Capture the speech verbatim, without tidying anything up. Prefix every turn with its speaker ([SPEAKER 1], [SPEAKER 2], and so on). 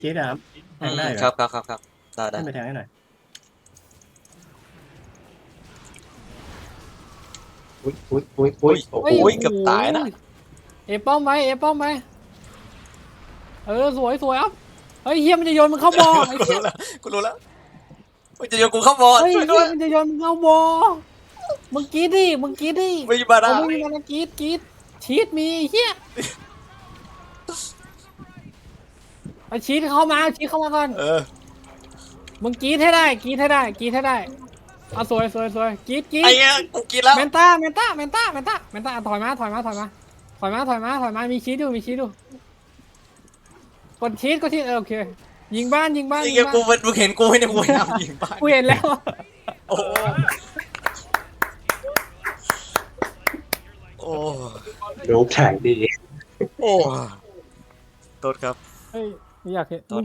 [SPEAKER 1] เจ๊ดามแทงได้เหรอ
[SPEAKER 2] ครับครับครับครับได้ได้
[SPEAKER 1] ขึ้นไปแทงให้หน่อย
[SPEAKER 3] อุ้ยอุ้ยอุ้ยอุ้ย
[SPEAKER 2] โอ้
[SPEAKER 3] โอ้
[SPEAKER 2] โห
[SPEAKER 3] โห
[SPEAKER 2] เกือบตายนะ
[SPEAKER 4] เอป้อมไปเอป้อมไปเออสวยสวยอ่ะเฮ้ยเฮียมันจะโยนมึงเข้าบ่อไอ้
[SPEAKER 2] กู
[SPEAKER 4] เหี้ย
[SPEAKER 2] รู้แล้วกูรู้แล้วมันจะโยนกูเข้าบอล
[SPEAKER 4] เฮ้ย
[SPEAKER 2] ช่วย
[SPEAKER 4] เฮี
[SPEAKER 2] ด้วย ย
[SPEAKER 4] มันจะโยนมึงเข้าบ่อมึงกรีดดิมึงกรีดดิ
[SPEAKER 2] ไม่มีบาดา
[SPEAKER 4] เอาไม่มีมากรีดกรีดชีตมีไอ้เฮียไปชีตเข้ามาชีตเข้ามาก่อน
[SPEAKER 2] เออ
[SPEAKER 4] มึงกรีดให้ได้กรีดให้ได้กรีดให้ได้เอาสวยสวยสวยกรีดกรีด
[SPEAKER 2] ไอ้เงี้ยกูกินแล้ว
[SPEAKER 4] เมนต้าเมนต้าเมนต้าเมนต้าเมนต้าถอยมาถอยมาถอยมาถอยมาถอยมาถอยมามีชีตอยู่มีชีตอยู่กดชีตก็ชีตเออโอเคยิงบ้านยิงบ้าน
[SPEAKER 2] ไอ้
[SPEAKER 4] ยิง
[SPEAKER 2] เงี้ย
[SPEAKER 4] บ้าน
[SPEAKER 2] กูเป็นมึงเห็นกูไหมเนี่ยกูพยายามยิงบ้าน
[SPEAKER 4] กูเห็นแล้ว
[SPEAKER 2] โอ้โหโอ้
[SPEAKER 3] ดูแข่งดี
[SPEAKER 2] โอ้โทษครับ
[SPEAKER 4] เฮ้ยไม่อยากเห็น